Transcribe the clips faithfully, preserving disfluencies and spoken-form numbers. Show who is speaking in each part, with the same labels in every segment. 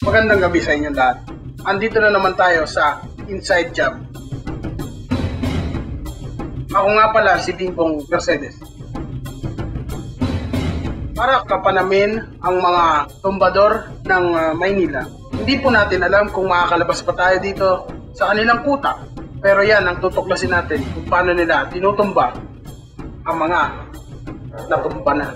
Speaker 1: Magandang gabi sa inyong lahat. Andito na naman tayo sa Inside Job. Ako nga pala si Bingbong Mercedes. Para kapanamin ang mga tumbador ng uh, Maynila. Hindi po natin alam kung makakalabas pa tayo dito sa kanilang kuta. Pero yan ang tutuklasin natin kung paano nila tinutumba ang mga natumba na.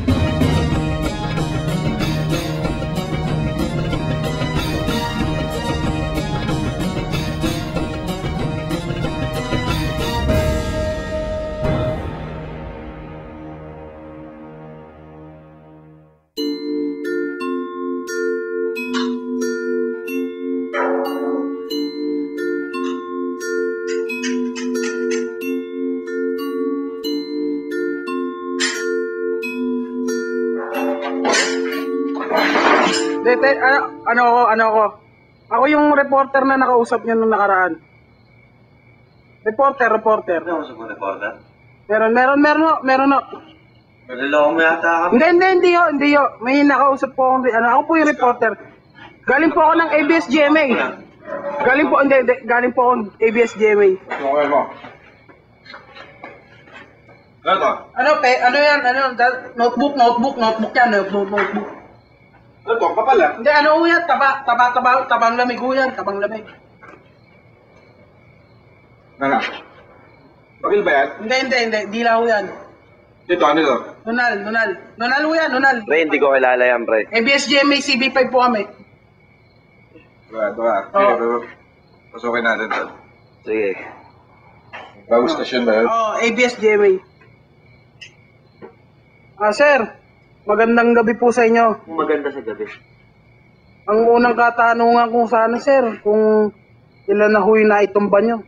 Speaker 1: Dete, ano, ano ako, ano ako? Ako yung reporter na nakausap niyo nung nakaraan. Reporter, reporter.
Speaker 2: Ano ako sa reporter?
Speaker 1: Meron, meron, meron, no, meron, no.
Speaker 2: Maliloko mo yata kami.
Speaker 1: Hindi, hindi, hindi yo, hindi yo. May nakausap po akong, ano, ako po yung reporter. Galing po ako ng A B S G M A. Galing po, hindi, hindi, galing po ako ng A B S G M A.
Speaker 2: Okay mo. Ano to?
Speaker 1: Ano, pe, ano yan, ano, notebook, notebook, notebook yan, notebook, notebook.
Speaker 2: Ano to? Kapal ah?
Speaker 1: Hindi, ano yan, taba, taba, taba, tabang lamig ho yan, tabang lamig.
Speaker 2: Ano? Bakil ba yan?
Speaker 1: Hindi, hindi, hindi, di lang ho yan.
Speaker 2: Dito, ano to?
Speaker 1: Nunal, nunal. Nunal ho yan, nunal.
Speaker 3: Pre, hindi ko kilala yan, pre.
Speaker 1: A B S G M A C B five po kami.
Speaker 2: Ito, ito ah.
Speaker 1: Oo.
Speaker 2: Sige, pasukin natin to.
Speaker 3: Sige.
Speaker 2: Bagong stasyon ba yun?
Speaker 1: Oo, oh, A B S G M A. Ah, sir. Magandang gabi po sa inyo.
Speaker 3: Maganda sa gabi.
Speaker 1: Ang unang katanungan kung sana, sir, kung ilan na huy na itumba nyo.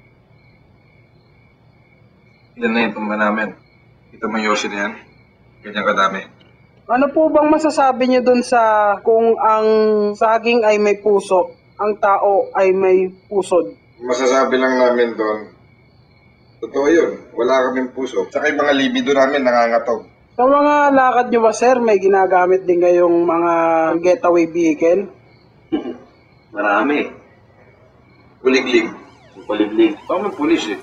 Speaker 2: Ilan na yung tumba namin. Ito mo Yoshi na yan. Ganyan kadami.
Speaker 1: Ano po bang masasabi nyo dun sa kung ang saging ay may puso, ang tao ay may pusod?
Speaker 2: Masasabi lang namin doon, totoo yun. Wala kaming puso. Tsaka yung mga libido namin nangangatog.
Speaker 1: Sa mga lakad nyo ba, sir, may ginagamit din kayong mga getaway vehicle?
Speaker 3: Marami.
Speaker 2: Kuliglig.
Speaker 3: Kuliglig.
Speaker 2: Ito ang pulis eh.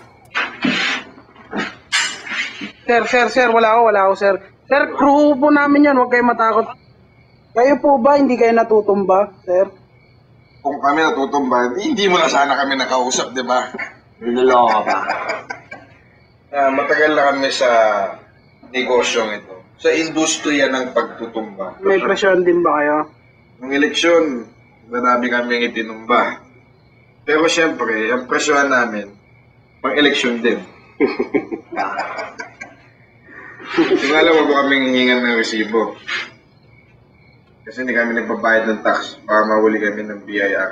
Speaker 1: Sir, sir, sir, wala ako, wala ako, sir. Sir, crew po namin yan, huwag kayo matakot. Kayo po ba, hindi kayo natutumba, sir?
Speaker 2: Kung kami natutumba, hindi mo na sana kami nakausap, di ba?
Speaker 3: Niloloko ka ba?
Speaker 2: Uh, matagal na kami sa negosyong ito. Sa industriya ng pagtutumba.
Speaker 1: May presyon din ba kayo?
Speaker 2: Nung eleksyon, marami kaming itinumba. Pero siyempre, ang presyohan namin, pang eleksyon din. Tingala mo ba kaming hihingan ng resibo? Kasi hindi kami nagbabayad ng tax para mahuli kami ng B I R.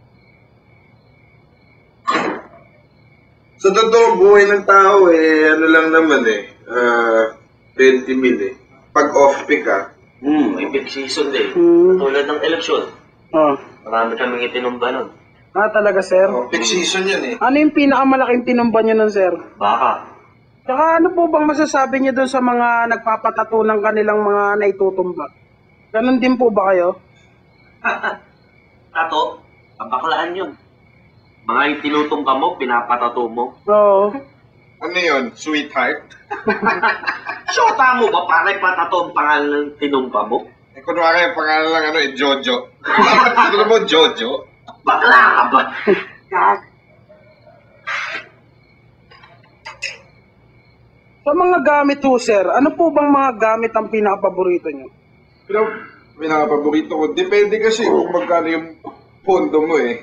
Speaker 2: Sa totoong buhay ng tao, eh, ano lang naman eh, uh, twenty mil eh. Pag off-peak ah,
Speaker 3: Hmm, may peak season din.
Speaker 1: Hmm.
Speaker 3: Tulad ng eleksyon.
Speaker 1: Oh.
Speaker 3: Marami kaming itinumba nun.
Speaker 1: Ah, talaga, sir?
Speaker 2: oh, peak season yan eh.
Speaker 1: Ano yung pinakamalaking tinumba nyo nun, sir?
Speaker 3: Baka.
Speaker 1: Tsaka ano po bang masasabi nyo dun sa mga nagpapatato ng kanilang mga naitutumba? Ganon din po ba kayo?
Speaker 3: Tato, kabaklaan yun. Mga yung tinutumba mo, pinapatato mo.
Speaker 1: Oo.
Speaker 2: Ano yun? Sweetheart?
Speaker 3: Shota mo ba para ipatato ang pangalan ng tinumba mo?
Speaker 2: Eh, kunwari, ang pangalan lang ano eh, Jojo. Ano mo, Jojo?
Speaker 3: Bakla ka ba?
Speaker 1: Sa mga gamit ho, sir, ano po bang mga gamit ang pinakapaborito nyo?
Speaker 2: Pero, pinakapaborito ko, depende kasi kung magkano yung pondo mo eh.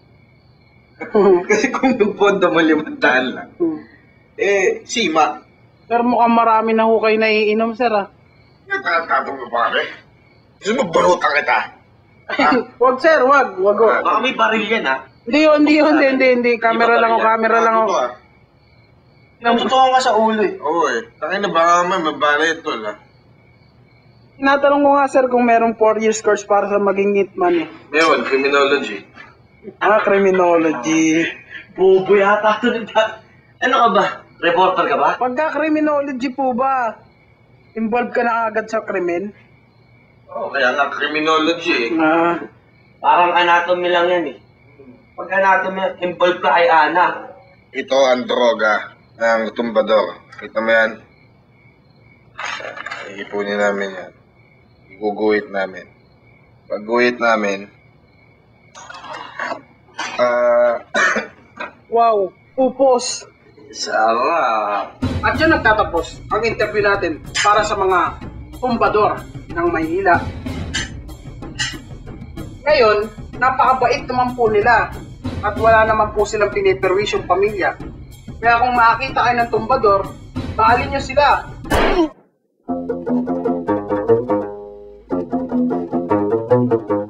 Speaker 2: Kasi kung yung pondo mo limandaan lang, eh, sima.
Speaker 1: Sir, mukhang marami na ho kayo naiinom, sir, ah.
Speaker 2: Nagkakatapong mo pare. Gusto mo barutan kita?
Speaker 1: Wag, sir, wag, wag ho.
Speaker 3: Baka may baril yan, ha?
Speaker 1: Hindi yun, hindi yun, hindi, hindi, hindi. Camera lang ho, camera lang ho.
Speaker 2: Ito ah.
Speaker 3: Namutuhan ka sa ulo, eh.
Speaker 2: Oo eh. Takin na baka naman, mabala ito lah.
Speaker 1: Tinatanong ko nga, sir, kung merong four years course para sa maging hitman, eh.
Speaker 2: Meron, criminology.
Speaker 1: Ah, criminology.
Speaker 3: Bobo yata ito. Ano ka ba? Reporter ka ba?
Speaker 1: Pagka criminology po ba, involved ka na agad sa krimen?
Speaker 2: Oo, kaya nga criminology eh.
Speaker 1: Ah,
Speaker 3: Parang anatomy lang yan eh. Pag anatomy, involved ka kay Ana.
Speaker 2: Ito ang droga ng tumbador. Kita mo yan? Iipunin namin yan. Iguguhit namin. Pag guhit namin, ah...
Speaker 1: Wow, upos!
Speaker 3: Sarap.
Speaker 1: At yan nagtatapos ang interview natin para sa mga tumbador ng Maynila. Ngayon, napakabait naman po nila at wala naman po silang piniperwisyong pamilya. Kaya kung makakita kayo ng tumbador, bahalin nyo sila.